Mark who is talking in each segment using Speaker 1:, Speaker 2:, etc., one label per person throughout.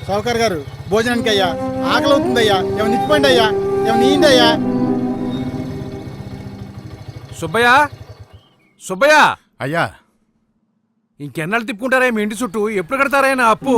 Speaker 1: షౌకర్ గారు భోజనానికి అయ్యా, ఆకలి అవుతుందయ్యా, ఏమైనా ఇచ్చిపోండి అయ్యా, ఏమైనా నీండి అయ్యా.
Speaker 2: సుబ్బయ్య, సుబ్బయ్య
Speaker 3: అయ్యా,
Speaker 2: ఇంకెన్నాళ్ళు తిప్పుకుంటారా మీ ఇంటి చుట్టూ? ఎప్పుడు కడతారా నా అప్పు?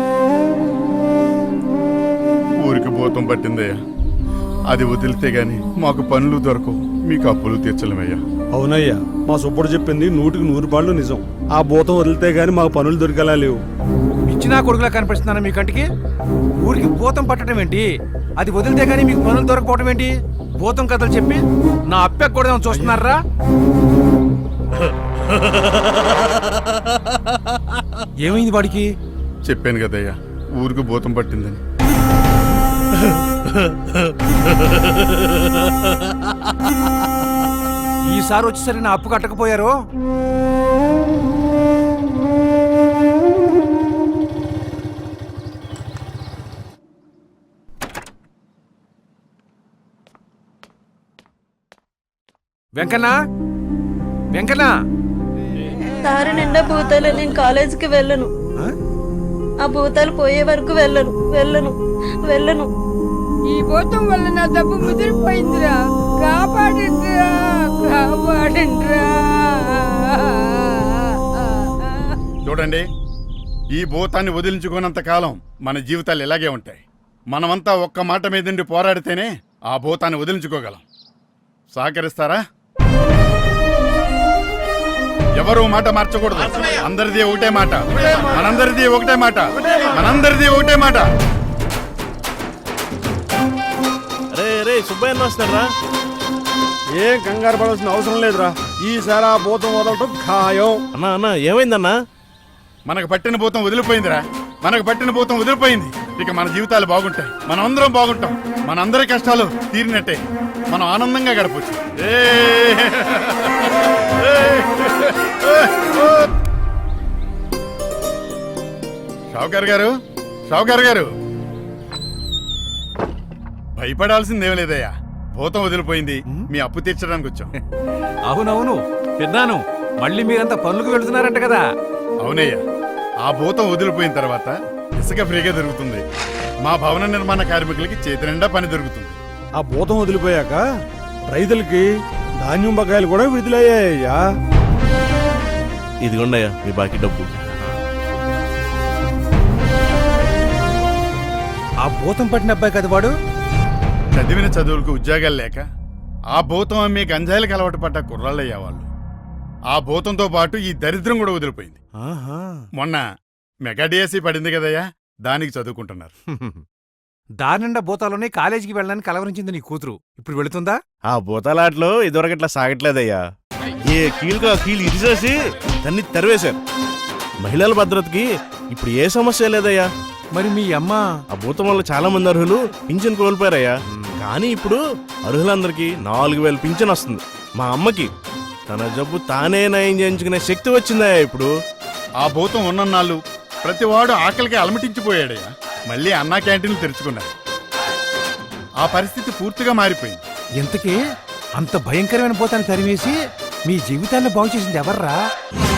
Speaker 3: ఊరికి భూతం పట్టిందయ్యా, అది వదిలితే గాని మాకు పనులు దొరకవు, మీకు అప్పులు తీర్చలేమయ్యా.
Speaker 4: అవునయ్యా, మా సుబ్బుడు చెప్పింది 100% నిజం. ఆ భూతం వదిలితే గాని మాకు పనులు దొరికేలా లేవు.
Speaker 2: ఇచ్చినా కొడుకులా కనిపిస్తున్నాను మీ కంటికి? ఊరికి భూతం పట్టడం ఏంటి? అది వదిలితే గానీ మీకు పనులు దొరకపోవడం ఏంటి? భూతం కథలు చెప్పి నా అప్పె కూడా చూస్తున్నారా? ఏమైంది వాడికి?
Speaker 3: చెప్పాను కదయ్యా, ఊరికి భూతం పట్టిందని.
Speaker 2: ఈసారి వచ్చేసరి నా అప్పు కట్టకపోయారు. వెంకన్నా, వెంకన్నా,
Speaker 5: దారి నిండా భూతాలు. నేను కాలేజీకి వెళ్ళను. ఆ భూతాలు పోయే వరకు వెళ్ళను వెళ్ళను వెళ్ళను.
Speaker 6: ఈ భూతం వల్ల నా డబ్బు ముదిరిపోయిందిరా, కాపాడండిరా, కాపాడండిరా.
Speaker 3: చూడండి, ఈ భూతాన్ని వదిలించుకున్నంత కాలం మన జీవితాలు ఇలాగే ఉంటాయి. మనమంతా ఒక్క మాట మీదండి పోరాడితేనే ఆ భూతాన్ని వదిలించుకోగలం. సహకరిస్తారా? ఎవరు మాట మార్చకూడదు. అందరిది ఒకటే మాట, మనందరిది ఒకటే మాట, మనందరిది ఒకటే మాట.
Speaker 7: సుబ్బయ్య వస్తారా?
Speaker 4: ఏం కంగారు పడాల్సిన అవసరం లేదురా. ఈసారి ఆ భూతం వదలటం ఖాయం.
Speaker 7: అన్నా అన్నా, ఏమైందన్నా?
Speaker 3: మనకు పట్టిన భూతం వదిలిపోయిందిరా, మనకు పట్టిన భూతం వదిలిపోయింది. ఇక మన జీవితాలు బాగుంటాయి, మనం అందరం బాగుంటాం, మనందరి కష్టాలు తీరినట్టే, మనం ఆనందంగా గడపచ్చు. షౌకర్ గారు, షౌకర్ గారు, భయపడాల్సిందేం లేదయ్యా. భూతం వదిలిపోయింది, మీ అప్పు తీర్చడానికి వచ్చాం.
Speaker 2: అవునవును విన్నాను. మళ్ళీ మీరంతా పనులకు వెళుతున్నారంట కదా?
Speaker 3: అవునయ్యా, ఆ భూతం వదిలిపోయిన తర్వాత ఇసుక ఫ్రీగా దొరుకుతుంది. మా భవన నిర్మాణ కార్మికులకి చేతి నిండా పని దొరుకుతుంది.
Speaker 4: ఆ భూతం వదిలిపోయాక రైతులకి ధాన్యం బకాయిలు కూడా విడుదలయ్యాయ్యా.
Speaker 7: ఇదిగోండయ్యా మీ బాకీ డబ్బు.
Speaker 2: ఆ భూతం పట్టిన అబ్బాయి కదా వాడు?
Speaker 3: చదివిన చదువులకు ఉద్యోగాలు లేక ఆ భూతం అమ్మే గంజాయిలకు అలవాటు పడ్డ కుర్రాళ్ళయ్యా వాళ్ళు. ఆ భూతంతో పాటు ఈ దరిద్రం కూడా వదిలిపోయింది. మొన్న మెగా డిఎస్సీ పడింది కదయ్యా, దానికి చదువుకుంటున్నారు.
Speaker 2: దారి నిండా భూతాలోనే కాలేజీకి వెళ్ళడానికి కలవరించింది నీ కూతురు. ఇప్పుడు వెళుతుందా?
Speaker 7: ఆ భూతాలాట్లో ఇదివరకట్లా సాగట్లేదయ్యా. ఏ కీలుగా కీలు ఇరిసేసి దాన్ని తెరవేశారు. మహిళల భద్రతకి ఇప్పుడు ఏ సమస్య లేదయ్యా.
Speaker 2: మరి మీ అమ్మ?
Speaker 7: ఆ భూతం వల్ల చాలా మంది అర్హులు పింఛన్ కోల్పోయారయ్యా. కానీ ఇప్పుడు అర్హులందరికీ 4000 పింఛన్ వస్తుంది. మా అమ్మకి తన జబ్బు తానే నయం చేయించుకునే శక్తి వచ్చిందయ్యా ఇప్పుడు.
Speaker 3: ఆ భూతం ఉన్నన్నాళ్ళు ప్రతివాడు ఆకలికి అలమటించిపోయాడయ్యా. మళ్ళీ అన్నా క్యాంటీన్లు తెరుచుకున్నారు. ఆ పరిస్థితి పూర్తిగా మారిపోయింది.
Speaker 2: ఇంతకీ అంత భయంకరమైన భూతాన్ని తరిమేసి మీ జీవితాన్ని బాగు చేసింది ఎవర్రా?